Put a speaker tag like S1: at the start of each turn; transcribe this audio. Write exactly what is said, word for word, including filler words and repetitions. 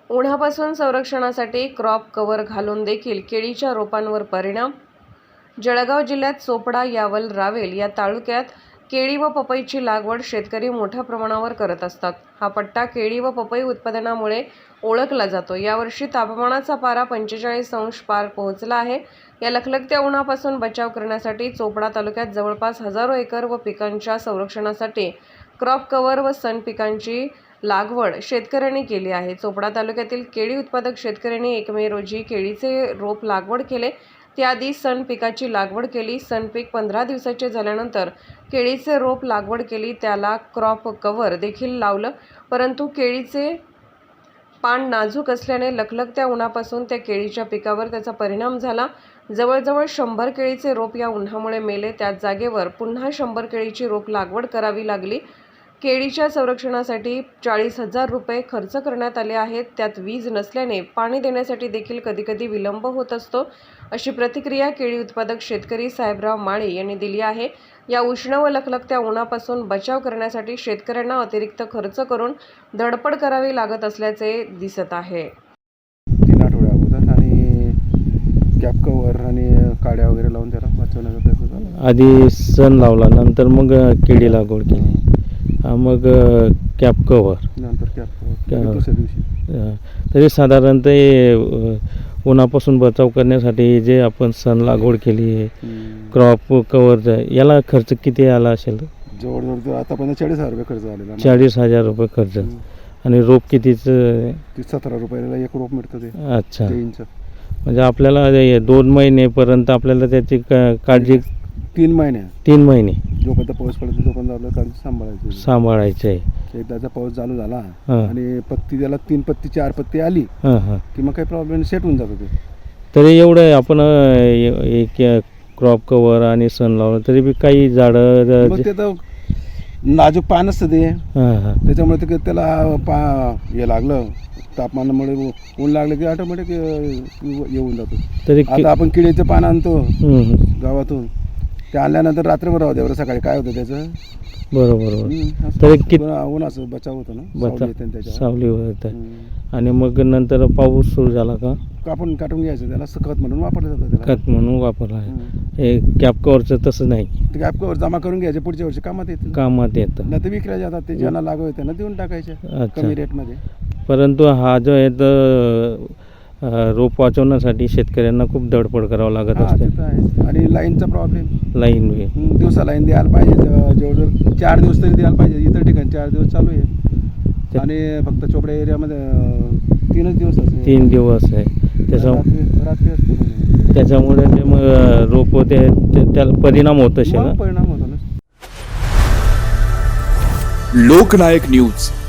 S1: उन्हापासून संरक्षणासाठी crop cover घालून देखील केळीच्या रोपांवर परिणाम। जळगाव जिल्ह्यात चोपडा, यावल, रावेल या तालुक्यात केळी व पपईची लागवड शेतकरी मोठ्या प्रमाणावर करत असतात। हा पट्टा केळी व पपई उत्पादनामुळे ओळखला जातो। यावर्षी तापमानाचा पारा पंचेचाळीस अंश पार पोहोचला आहे। या लखलखत्या उन्हापासून बचाव करण्यासाठी चोपडा तालुक्यात जवळपास हजारो एकर व पिकांच्या संरक्षणासाठी क्रॉप कव्हर व सन पिकांची लागवड शेतकऱ्यांनी केली आहे। चोपडा तालुक्यातील केळी उत्पादक शेतकऱ्यांनी एक मे रोजी केळीचे रोप लागवड केले। त्याआधी सन पिकाची लागवड केली। सन पीक पंधरा दिवसाचे झाल्यानंतर केळीचे रोप लागवड केली, त्याला क्रॉप कव्हर देखील लावलं, परंतु केळीचे पान नाजूक असल्याने लखलखत्या उन्हापासून त्या केळीच्या पिकावर त्याचा परिणाम झाला। जवळजवळ शंभर केळीचे रोप या उन्हामुळे मेले। त्याच जागेवर पुन्हा शंभर केळीची रोप लागवड करावी लागली। केळीच्या संरक्षणासाठी चाळीस हजार रुपये खर्च करण्यात आले आहेत। त्यात वीज नसल्याने पाणी देण्यासाठी देखील कधीकधी विलंब होत असतो, अशी प्रतिक्रिया केळी उत्पादक शेतकरी साहेबराव माळी यांनी दिली आहे। या उष्ण व लखलखत्या उन्हापासून बचाव करण्यासाठी शेतकऱ्यांना अतिरिक्त खर्च करून धडपड करावी लागत असल्याचे दिसत आहे।
S2: तीन आठवड्या अगोदर आणि कॅप कव्हर आणि काड्या वगैरे लावून त्याला वाचवण्याचा प्रयत्न झाला।
S3: आधी सण लावला, नंतर मग केळी लागवड केली, मग कॅप कव्हर,
S2: नंतर कॅप कव्हर दुसऱ्या दिवशी।
S3: तरी साधारणतः उन्हापासून बचाव करण्यासाठी जे आपण सण लागवड केली, क्रॉप कव्हर, याला खर्च किती आला असेल?
S2: जवळजवळ आतापर्यंत चाळीस हजार रुपये खर्च झालेला।
S3: चाळीस हजार रुपये खर्च। आणि रोप कितीचं?
S2: सतरा रुपयाला एक रोप मिळतं ते।
S3: अच्छा,
S2: इंच
S3: म्हणजे आपल्याला दोन महिनेपर्यंत आपल्याला त्याची काळजी,
S2: तीन महिने
S3: तीन महिने
S2: जोपर्यंत पाऊस पडतो तोपर्यंत आपल्याला काळजी सांभाळायची
S3: सांभाळायचं आहे।
S2: एकदाचा पाऊस चालू झाला आणि पत्ती त्याला तीन पत्ती चार पत्ती आली की मग काही प्रॉब्लेम सेट होऊन जातो ते।
S3: तरी एवढं आपण एक क्रॉप कव्हर आणि सण लावलं तरी बी काही झाडं,
S2: मग ते तर नाजूक पान असतं ते, त्याच्यामुळे ते त्याला पा हे लागलं तापमानामुळे ऊन लागलं की ऑटोमॅटिक येऊन जातो। तरी आता आपण केळीचं पान आणतो गावातून, ते आणल्यानंतर रात्रभर राहू द्या, सकाळी काय होतं त्याचं?
S3: बरोबर, तरी किती
S2: उन्हाचं बचाव होतो ना,
S3: सावली होत। आणि मग नंतर पाऊस सुरू झाला का
S2: आपण काढून घ्यायचं, त्याला खत म्हणून वापरलं जातं।
S3: खत म्हणून वापरला आहे। हे कॅप कव्हरचं तसं नाही,
S2: ते कॅप कव्हर जमा करून घ्यायचे, पुढच्या वर्षी कामात येतं
S3: कामात येतं,
S2: नाही तर विकल्या जातात। ते ज्यांना लागू आहे त्यांना देऊन टाकायचे कमी रेटमध्ये।
S3: परंतु हा जो आहे तर रोप वाचवण्यासाठी शेतकऱ्यांना खूप धडपड करावं लागत असते।
S2: आणि लाईनचा प्रॉब्लेम,
S3: लाईन
S2: दिवसा लाईन द्यायला पाहिजे, जवळजवळ चार दिवस तरी द्यायला पाहिजे। इतर ठिकाणी चार दिवस चालू आहे आणि फक्त चोपडा एरियामध्ये तीनच दिवस असते, तीन दिवस आहे
S3: त्याच्यामुळे
S2: रात्री असते।
S3: त्याच्यामुळे ते मग रोप ते त्याला परिणाम होत असेल,
S2: परिणाम होतो ना।
S4: लोकनायक न्यूज